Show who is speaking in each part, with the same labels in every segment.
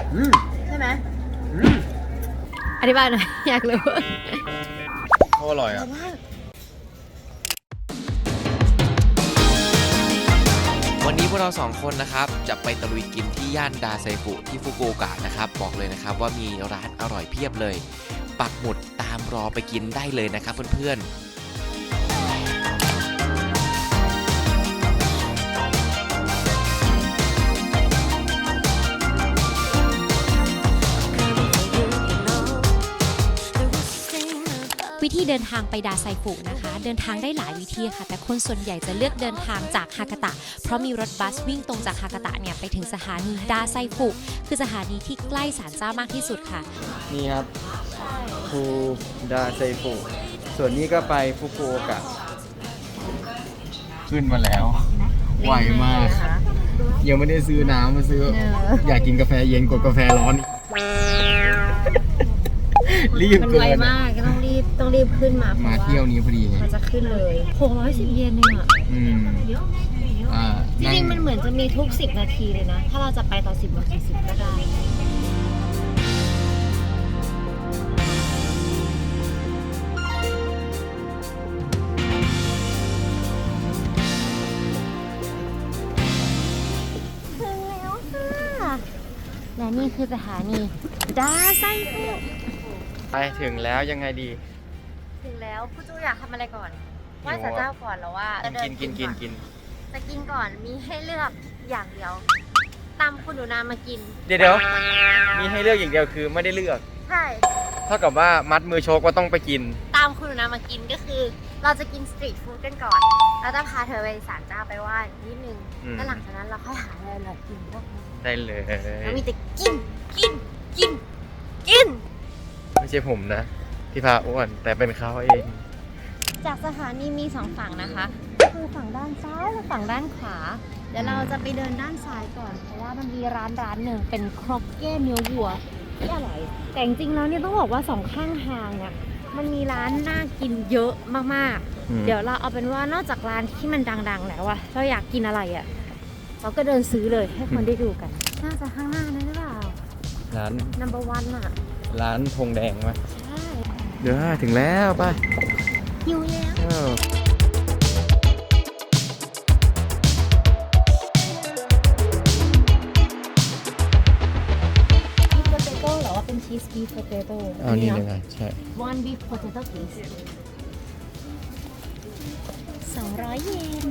Speaker 1: ใช่ไหมอธิบายหน่อยอยากรู้
Speaker 2: โคตรอร่อยอ่ะวันนี้พวกเรา2คนนะครับจะไปตะลุยกินที่ย่านดาไซฟุที่ฟุกุโอกะนะครับบอกเลยนะครับว่ามีร้านอร่อยเพียบเลยปักหมุดตามรอไปกินได้เลยนะครับเพื่อนๆ
Speaker 1: วิธีเดินทางไปดาไซฟุนะคะเดินทางได้หลายวิธีค่ะแต่คนส่วนใหญ่จะเลือกเดินทางจากฮากาตะเพราะมีรถบัสวิ่งตรงจากฮากาตะเนี่ยไปถึงสถานีดาไซฟุคือสถานีที่ใกล้ศาลเจ้ามากที่สุดค่ะ
Speaker 2: นี่ครับฟูดาไซฟุส่วนนี้ก็ไปฟุกุโอกะขึ้นมาแล้วไวมากยังไม่ได้ซื้อน้ำมาซื้ออยากกินกาแฟเย็นกว่ากาแฟร้อนรีบเกินมันไวมากต้องรีบขึ้นมาเที่ยวนี้พอดีเลยมันจะขึ้นเลย610 เยนเองอ่ะจริงๆมันเหมือนจะมีทุก10 นาทีเลยนะถ้าเราจะไปตอน10 โมง 40ก็ได้ถึงแล้วค่ะและนี่คือสถานีดาไซฟุไปถึงแล้วยังไงดี
Speaker 1: ถึงแล้วผู้จูอยากทำอะไรก่อนไหว้ศาลเจ้าก่อนแล้วว่าจะกินจะกินก่อนมีให้เลือกอย่างเดียวตามคุณหนูนามากิน
Speaker 2: เดี๋ยวมีให้เลือกอย่างเดียวคือไม่ได้เลือก
Speaker 1: ใช่
Speaker 2: เท่ากับว่ามัดมือโชกว่าต้องไปกิน
Speaker 1: ตามคุณหนูนามากินก็คือเราจะกินสตรีทฟู้ดกันก่อนเราจะพาเธอไปศาลเจ้าไปไหว้นิดนึงแล้วหลังจากนั้นเราค่อยหาอะไรอร่อยกินพวกนี้
Speaker 2: ได้เลย
Speaker 1: เรามีแต่กิน
Speaker 2: ไม่ใช่ผมนะที่พาอ้วนแต่เป็นเขาเอง
Speaker 1: จากสถานีมี2 ฝั่งนะคะคือฝั่งด้านซ้ายและฝั่งด้านขวาเดี๋ยวเราจะไปเดินด้านซ้ายก่อนเพราะว่ามันมีร้านหนึ่งเป็นครอกเก้เนื้อวัวที่อร่อยแต่จริงๆแล้วเนี่ยต้องบอกว่า2 ข้างทางเนี่ยมันมีร้านน่ากินเยอะมากๆเดี๋ยวเราเอาเป็นว่านอกจากร้านที่มันดังๆแล้วอะเราอยากกินอะไรอะเราก็เดินซื้อเลยให้คนได้ดูกันน่าจะข้างหน้านั่นหรือเปล่า
Speaker 2: ร้าน
Speaker 1: number 1อะ
Speaker 2: ร้านธงแดงไหม
Speaker 1: ใช่
Speaker 2: เดี๋ยวถึงแล้วไป
Speaker 1: หิวแล้วเป็นชีสบีฟโพเตโต้
Speaker 2: นี่เลยไงใช่
Speaker 1: one beef potato please 200 เยน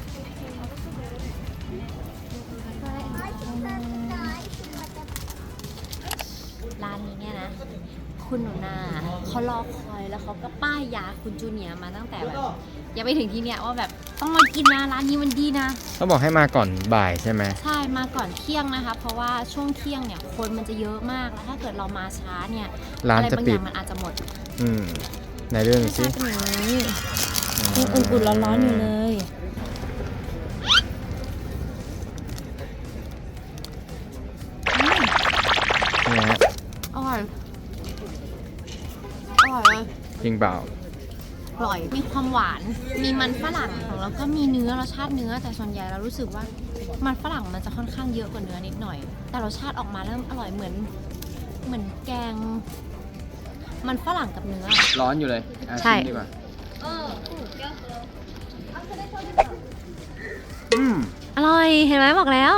Speaker 1: ร้านนี้เนี่ยนะคุณหนูนาเขารอคอยแล้วเขาก็ป้ายยาคุณจูเนียร์มาตั้งแต่แบบยังไม่ถึงที่เนี่ยว่าแบบต้องมากินนะร้านนี้มันดีนะ
Speaker 2: เขาบอกให้มาก่อนบ่ายใช่ไหม
Speaker 1: ใช่มาก่อนเที่ยงนะคะเพราะว่าช่วงเที่ยงเนี่ยคนมันจะเยอะมากแล้วถ้าเกิดเรามาช้าเนี่ย
Speaker 2: ร้านจะปิด
Speaker 1: มันอาจจะหมด
Speaker 2: ในเรื่องสิ
Speaker 1: ยังอุ่นๆร้อนๆอยู่เลยอร่อยเลย
Speaker 2: จริงเปล่า
Speaker 1: อร่อยมีความหวานมีมันฝรั่งแล้วก็มีเนื้อรสชาติเนื้อแต่ส่วนใหญ่เรารู้สึกว่ามันฝรั่งมันจะค่อนข้างเยอะกว่าเนื้อนิดหน่อยแต่รสชาติออกมาเริ่มอร่อยเหมือนแกงมันฝรั่งกับเนื้อ
Speaker 2: ร้อนอยู่เลย
Speaker 1: ใช่
Speaker 2: ดีกว่า
Speaker 1: อร่อยเห็นไหมบอกแล้ว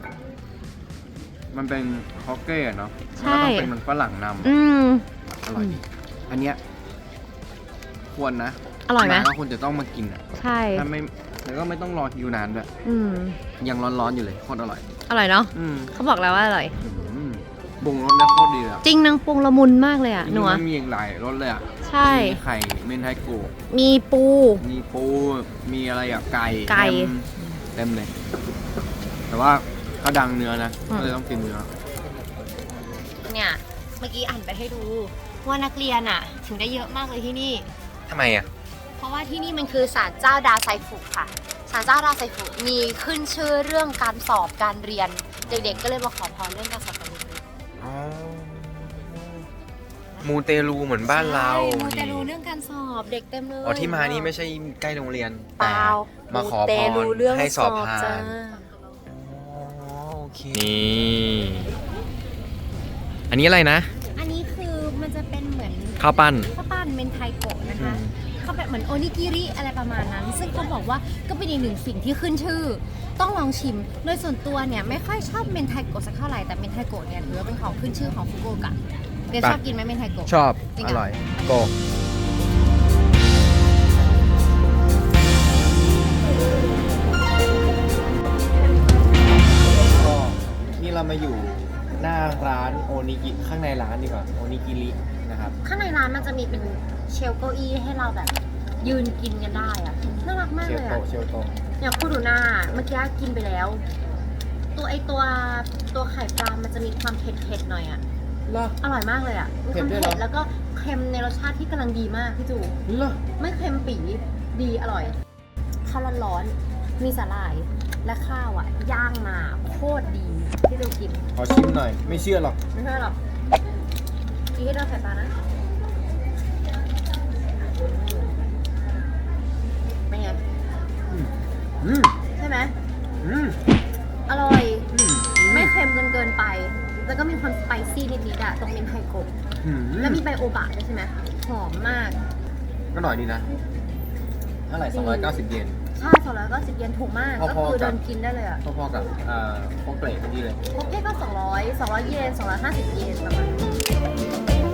Speaker 2: มันเป็นฮอกเก้เนาะ
Speaker 1: ใช่
Speaker 2: ต้องเป็นมันฝรั่งนำอร่อยดีอันเนี้ยควรนะ
Speaker 1: อร่อยไหม
Speaker 2: ก็ควรจะต้องมากินอ่ะ
Speaker 1: ใช่
Speaker 2: ถ้าไม่แล้วก็ไม่ต้องรอคิวนานด้วยยังร้อนๆอยู่เลยโคตรอร่อย
Speaker 1: เนาะเขาบอกแล้วว่าอร่อย
Speaker 2: ปรุงรสแล้วโคตรดีเลย
Speaker 1: จริงนางปรุงละมุนมากเลยอ่ะหนู
Speaker 2: มันมีหลายรสเลยอ่ะ
Speaker 1: ใช่
Speaker 2: มีไข่เมนไทโกะ
Speaker 1: มีปู
Speaker 2: มีอะไรอ่ะไก่เต็มเลยแต่ว่าเขาดังเนื้อนะก็เลยต้องกินเนื้อ
Speaker 1: เนี่ยเมื่อกี้อ่านไปให้ดูว่านักเรียนอ่ะถึงได้เยอะมากเลยที่นี่
Speaker 2: ทำไมอ่ะ
Speaker 1: เพราะว่าที่นี่มันคือศาลเจ้าดาไซฟุค่ะศาลเจ้าดาไซฟุมีขึ้นชื่อเรื่องการสอบการเรียนเด็กๆก็เลยมาขอพรเรื่องการสอบการเรียน
Speaker 2: มูเตลูเหมือนบ้านเรา
Speaker 1: มูเตลูเรื่องการสอบเด็กเต็มเลย
Speaker 2: ที่มานี่ไม่ใช่ใกล้โรงเรียน
Speaker 1: แต่
Speaker 2: มาขอพรให้สอบผ่านโอเคนี่
Speaker 3: นี้อะไรนะ
Speaker 1: อันนี้คือมันจะเป็นเหมือน
Speaker 3: ข้าวปั้น
Speaker 1: ข้าวปั้นเมนไทโกะนะคะเขาแบบเหมือนโอนิกิริอะไรประมาณนั้น ซึ่งเขาบอกว่าก็เป็นอีกหนึ่งสิ่งที่ขึ้นชื่อ ต้องลองชิม โดยส่วนตัวเนี่ยไม่ค่อยชอบเมนไทโกะสักเท่าไหร่ แต่เมนไทโกะเนี่ยถือว่าเป็นของขึ้นชื่อของฟุกุโอกะเดี๋ยวชอบกินไหมเมนไทโกะ
Speaker 3: ชอบ
Speaker 1: จริง
Speaker 3: อ
Speaker 1: เหรอ
Speaker 3: ร่อยโก ก็นี่เรามาอยู่หน้าร้านโอนิกิข้างในร้านดีกว่าโอนิกิรินะครับ
Speaker 1: ข้างในร้านมันจะมีเป็นเชลเก้าอี้ให้เราแบบยืนกินกันได้อะน่ารักมาก
Speaker 3: เช
Speaker 1: เล
Speaker 3: ล
Speaker 1: ย
Speaker 3: โต
Speaker 1: อะ
Speaker 3: เชลโต
Speaker 1: อย่างคูดูน่าเมื่อกี้กินไปแล้ว ตัวไข่ปลา มันจะมีความเผ็ดๆหน่อยอะ
Speaker 3: เหรอ
Speaker 1: อร่อยมากเลยอะมีความ
Speaker 3: เผ็ดด้วยเหรอ
Speaker 1: เผ็ดแล้วก็เค็มในรสชาติที่กำลังดีมากพี่จู
Speaker 3: เหรอ
Speaker 1: ไม่เค็มปี๋ดีอร่อยข้าวร้อนๆมีสาหร่ายและข้าวอะย่างมาโคตรดีที่เรากิน
Speaker 3: ขอชิมหน่อย ไม่เชื่อหรอก
Speaker 1: ไม่ใช่หรอกกินให้โดนไข่ปลานะเป็นไง
Speaker 3: อืม
Speaker 1: ใช่ไหม
Speaker 3: อืม
Speaker 1: อร่อย
Speaker 3: อืม
Speaker 1: ไม่เค็มจนเกินไป แล้วก็มีความสไปซี่นิดๆอะตรงเมนไทโกะ
Speaker 3: อืม
Speaker 1: แล้วมีใบโอบะด้วยใช่ไหมหอมมาก
Speaker 3: ก็หน่อยดีนะเท่าไหร่290 เยน
Speaker 1: ใช่290 เยนถูกมาก
Speaker 3: พอๆ
Speaker 1: ก็คือ
Speaker 3: กับ
Speaker 1: เดินกินได้เลยอะ
Speaker 3: พอๆกับโคเกรดเมื่อกี้เลย
Speaker 1: โอเคก็200เยน250 เยนประมาณนี้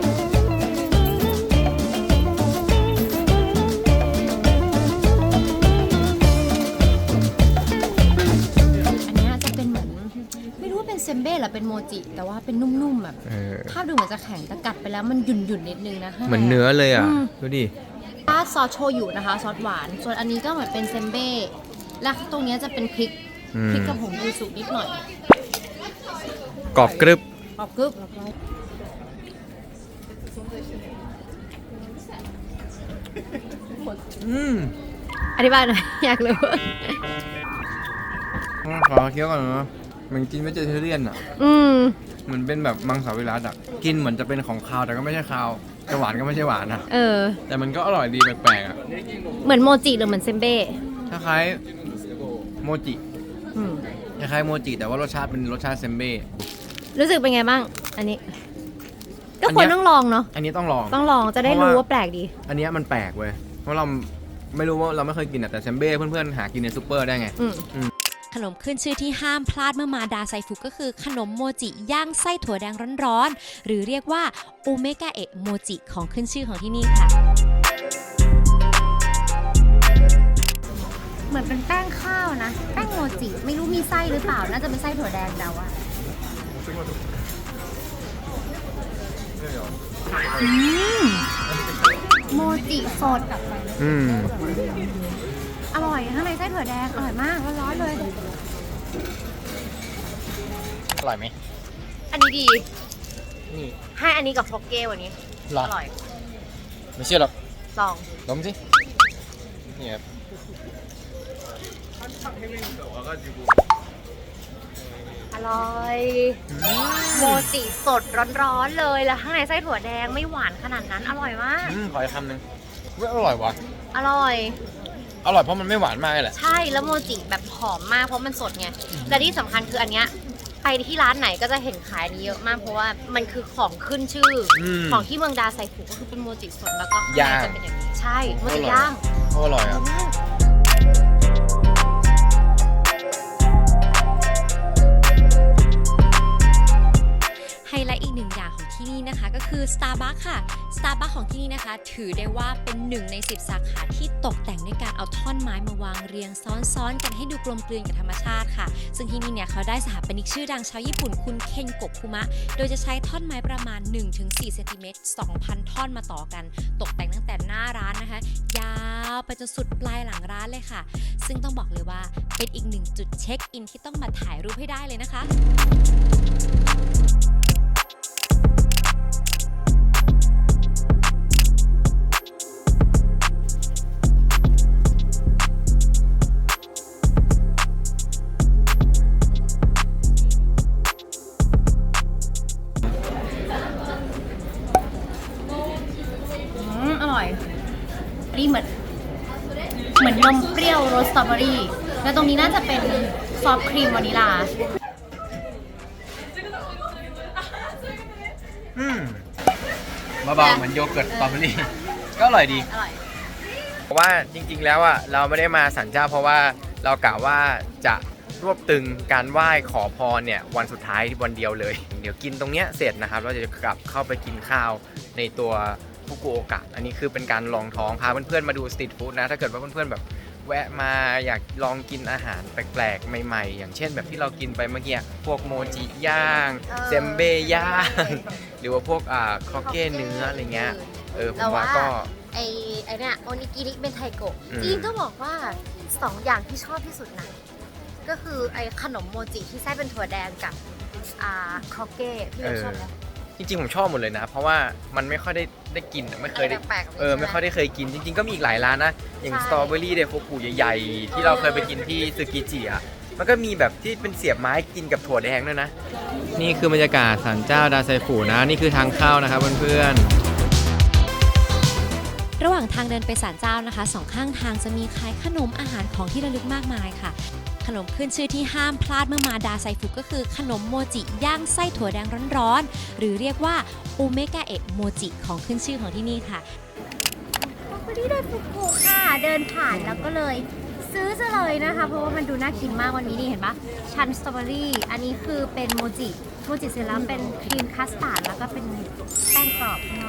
Speaker 1: อันเนี้ยจะเป็นเหมือนไม่รู้ว่าเป็นเซมเบ้หรือเป็นโมจิ แต่ว่าเป็นนุ่มๆแบบภาพดูเหมือนจะแข็งแต่กัดไปแล้วมันหยุ่นๆนิดนึงนะข้างใน
Speaker 3: เหมือนเนื้อเลยอ่ะ ดูดิ
Speaker 1: ซอสโชยุนะคะซอสหวาน ส่วนอันนี้ก็เหมือนเป็นเซมเบ้และตรงเนี้ยจะเป็นพริก
Speaker 3: อืม
Speaker 1: พริกกับผงยูสุนิดหน่อย
Speaker 3: กรอบกรึบ
Speaker 1: กรอบกรึบ
Speaker 3: อืม
Speaker 1: อธิบายหน่อย อยากรู้
Speaker 3: ขอเคี้ยวก่อนนะมันกินไม่เจอเทเรียนอ่ะ
Speaker 1: อืม
Speaker 3: เหมือนเป็นแบบมังสวิรัติอ่ะ กินเหมือนจะเป็นของคาวแต่ก็ไม่ใช่คาวจะหวานก็ไม่ใช่หวานอ่ะ
Speaker 1: เออ
Speaker 3: แต่มันก็อร่อยดีแปลกๆอ่ะ
Speaker 1: เหมือนโมจิหรือเหมือนเซมเบ้
Speaker 3: คล้ายๆโมจิ
Speaker 1: อืม
Speaker 3: คล้ายๆโมจิแต่ว่ารสชาติเป็นรสชาติเซมเบ้
Speaker 1: รู้สึกเป็นไงบ้าง อันนี้ ก็
Speaker 3: อัน
Speaker 1: คว
Speaker 3: เนี้
Speaker 1: ร
Speaker 3: ย
Speaker 1: ต้องลองเนาะ
Speaker 3: อันนี้ต้องลอง
Speaker 1: ต้องลองจะได้
Speaker 3: เพราะ
Speaker 1: รู้
Speaker 3: ว่า
Speaker 1: ว่าแปลกดี
Speaker 3: อันเนี้ยมันแปลกเว้ย เพราะเราไม่รู้ว่าเราไม่เคยกินอะแต่เซมเบ้เพื่อนๆหากินในซูเปอร์ได้ไง
Speaker 1: อืม
Speaker 4: ขนมขึ้นชื่อที่ห้ามพลาดเมื่อมาดาไซฟุก็คือขนมโมจิย่างไส้ถั่วแดงร้อนๆ หรือเรียกว่าโอเมกาเอะโมจิของขึ้นชื่อของที่นี่ค่ะ
Speaker 1: เหมือนเป็นแป้งข้าวนะ แป้งโมจิ ไม่รู้มีไส้หรือเปล่า น่าจะเป็นไส้ถั่วแดงเดาอะโมจิสด
Speaker 3: อืม
Speaker 1: อร่อยข้างในไส้ถั่วแดง อร่อยมากร้อนๆเลย
Speaker 3: อร่อยไหม
Speaker 1: อันนี้ดี
Speaker 3: นี่
Speaker 1: ให้อันนี้กับฟอกเก้วันนี้
Speaker 3: หรอ
Speaker 1: อร่อย
Speaker 3: ไม่เชื่อหรอก
Speaker 1: ลอง
Speaker 3: ดมสิ นี่ครับ
Speaker 1: อร่อยโมจิสดร้อนๆเลย แล้วข้างในไส้ถั่วแดงไม่หวานขนาดนั้น อร่อยมาก
Speaker 3: ขออีกคำหนึ่งเว้ยอร่อยว่ะ
Speaker 1: อร่อย
Speaker 3: อร่อยเพราะมันไม่หวานมากเลยแหละ
Speaker 1: ใช่แล้วโมจิแบบหอมมากเพราะมันสดไงและที่สำคัญคืออันเนี้ยไปที่ร้านไหนก็จะเห็นขายนี้เยอะมากเพราะว่ามันคือของขึ้นชื่ออ
Speaker 3: ม
Speaker 1: ของที่เมืองดาไซฟุก็คือเป็นโมจิสดแล้วก็ข้าง
Speaker 3: ย่าง
Speaker 1: ในจะเป็นอย่างนี้ใช่โมจิย่าง
Speaker 3: อร่อยอ่ะ
Speaker 4: ไฮไลท์อีกหนึ่งอย่างของที่นี่นะคะก็คือ Starbucks ค่ะ Starbucks ของที่นี่นะคะ ถือได้ว่าเป็น1 ใน 10 สาขาที่ตกแต่งด้วยการเอาท่อนไม้มาวางเรียงซ้อนๆกันให้ดูกลมกลืนกับธรรมชาติค่ะ ซึ่งที่นี่เนี่ยเขาได้สถาปนิกชื่อดังชาวญี่ปุ่นคุณเคนโกะคุมะ โดยจะใช้ท่อนไม้ประมาณ 1-4 เซนติเมตร 2,000 ท่อนมาต่อกัน ตกแต่งตั้งแต่หน้าร้านนะคะ ยาวไปจนสุดปลายหลังร้านเลยค่ะ ซึ่งต้องบอกเลยว่าเป็นอีกหนึ่งจุดเช็คอินที่ต้องมาถ่ายรูปให้ได้เลยนะคะ
Speaker 1: อร่อยนี่เหมือนนมเปรี้ยวรสสตรอเบอรี่แล้วตรงนี้น่าจะเป็นซอฟต์ครีมวานิลา
Speaker 3: เบาๆเหมือนโยเกิร์ตสตรอเบอรี่ก็อร่อยดี
Speaker 2: อร่อย
Speaker 3: เพราะว่าจริงๆแล้วอ่ะเราไม่ได้มาศาลเจ้าเพราะว่าเรากะว่าจะรวบตึงการไหว้ขอพรเนี่ยวันสุดท้ายวันเดียวเลย เดี๋ยวกินตรงเนี้ยเสร็จนะครับเราจะกลับเข้าไปกินข้าวในตัวฟุกุโอกะอันนี้คือเป็นการลองท้องพาเพื่อนๆมาดูสตรีทฟู้ดนะถ้าเกิดว่าเพื่อนๆแบบแวะมาอยากลองกินอาหารแปลกๆใหม่ๆอย่างเช่นแบบที่เรากินไปเมื่อกี้พวกโมจิย่างเซมเบย่างหรือว่าพวกครอกเก้เนื้ออะไรเงี้ยผมว่าก็
Speaker 2: ไอ้เนี่ยโอนิกิริเป็นไทโกะ
Speaker 3: อืม
Speaker 2: จริงๆก็บอกว่า2อย่างที่ชอบที่สุดนะก็คือไอ้ขนมโมจิที่ไส้เป็นถั่วแดงกับครอกเก้พี่เป็นชอบไหม
Speaker 3: จริงๆผมชอบหมดเลยนะ เพราะว่ามันไม่ค่อยได้กินไม่เคยได้
Speaker 2: แปลกๆ
Speaker 3: ไม่ค่อยได้เคยกินจริงๆก็มีอีกหลายร้านนะอย่าง
Speaker 2: ใช่
Speaker 3: สตรอเบอรี่เดฟโฟกุใหญ่ๆที่เราเคยไปกินที่ซึกิจิอ่ะมันก็มีแบบที่เป็นเสียบไม้กินกับถั่วแดงด้วยนะนี่คือบรรยากาศศาลเจ้าดาไซฟุนะนี่คือทางเข้านะครับเพื่อนๆ
Speaker 4: ระหว่างทางเดินไปศาลเจ้านะคะสองข้างทางจะมีขายขนมอาหารของที่ระลึกมากมายค่ะขนมขึ้นชื่อที่ห้ามพลาดเมื่อมาดาไซฟุก็คือขนมโมจิย่างไส้ถั่วแดงร้อนๆหรือเรียกว่าอูเมกะเอะโมจิของขึ้นชื่อของที่นี่ค่ะ
Speaker 2: วันนี้ได้ฟุกุค่ะเดินผ่านแล้วก็เลยซื้อซะเลยนะคะเพราะว่ามันดูน่ากินมากวันนี้นี่เห็นปะชั้นสตรอเบอรี่อันนี้คือเป็นโมจิเสร็จแล้วเป็นครีมคัสตาร์ดแล้วก็เป็นแป้งกรอบข้างนอก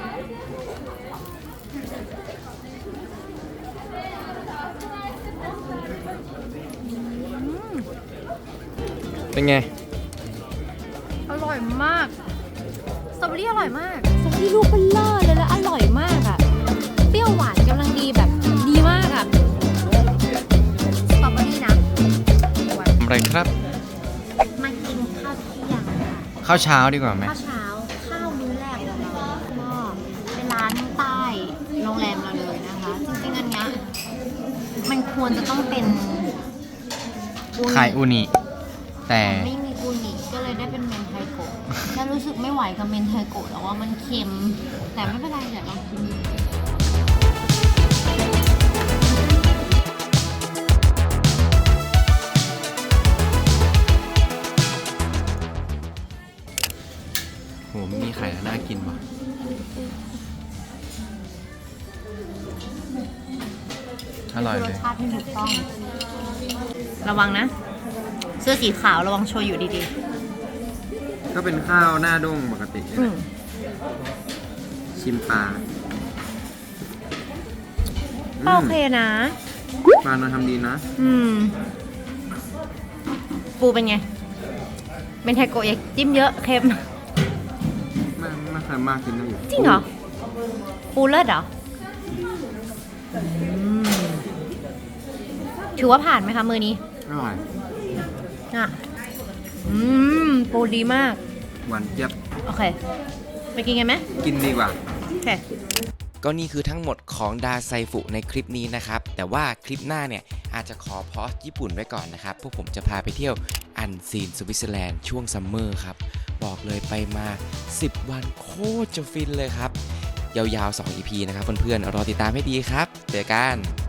Speaker 3: เป็นไง
Speaker 2: อร่อยมากสตรอเบอรี่อร่อยมากสตรอเบอรี่ลูกเบลเลอร์เลยแล้วอร่อยมากอะเปรี้ยวหวานกำลังดีแบบดีมากอะสตรอเบอรี่นะ
Speaker 3: อะไรครับ
Speaker 2: มากินข้าวเที่ยงค่ะ
Speaker 3: ข้าวเช้าดีกว่าไหม
Speaker 2: ข้าวเช้าข้าวมื้อแรกของเราก็เป็นร้านใต้โรงแรมเราเลยนะคะจริงๆอันเนี้ยมันควรจะต้องเป็นอูนิ
Speaker 3: ไข่อูนิแต่
Speaker 2: ไม่มีอูนิก็เลยได้เป็นเมนไทโกะแล้วรู้สึกไม่ไหวกับเมนไทโกะแล้วว่ามันเค็มแต่ไม่เป็นไรเดี๋ยวลองกิน
Speaker 3: โหไม่มีไข่แล้วน่ากินว่ะอร่อย
Speaker 2: ร
Speaker 3: เล
Speaker 2: ส
Speaker 3: ย
Speaker 2: ชาติที่ถูกต้อง ระวังนะ เสื้อสีขาวระวังโชยุดี
Speaker 3: ก็เป็นข้าวหน้าด้งปกติ
Speaker 2: ๆอืม
Speaker 3: ชิมปลา
Speaker 2: ก็โอเคนะ
Speaker 3: ปลาเราทำดีนะ
Speaker 2: อืม ปูเป็นไง เป็นไทโกะอยากจิ้มเยอะเค็ม
Speaker 3: ไม่เคยมากกินได้อยู่
Speaker 2: จริงเหรอ ปูเลิศเหรอถือว่าผ่านไหมคะมือนี้
Speaker 3: อร่อย
Speaker 2: อ่ะ ปูดีมาก
Speaker 3: หวานเจี๊ยบ
Speaker 2: โอเค ไปกินกันไหม
Speaker 3: กินดีกว่า
Speaker 2: โอเค
Speaker 5: ก็นี่คือทั้งหมดของดาไซฟุในคลิปนี้นะครับ แต่ว่าคลิปหน้าเนี่ยอาจจะขอพอสญี่ปุ่นไว้ก่อนนะครับ พวกผมจะพาไปเที่ยวอันซีนสวิตเซอร์แลนด์ช่วงซัมเมอร์ครับ บอกเลยไปมา 10 วันโคตรจะฟินเลยครับ ยาวๆ 2 EP นะครับเพื่อนๆ รอติดตามให้ดีครับ เจอกัน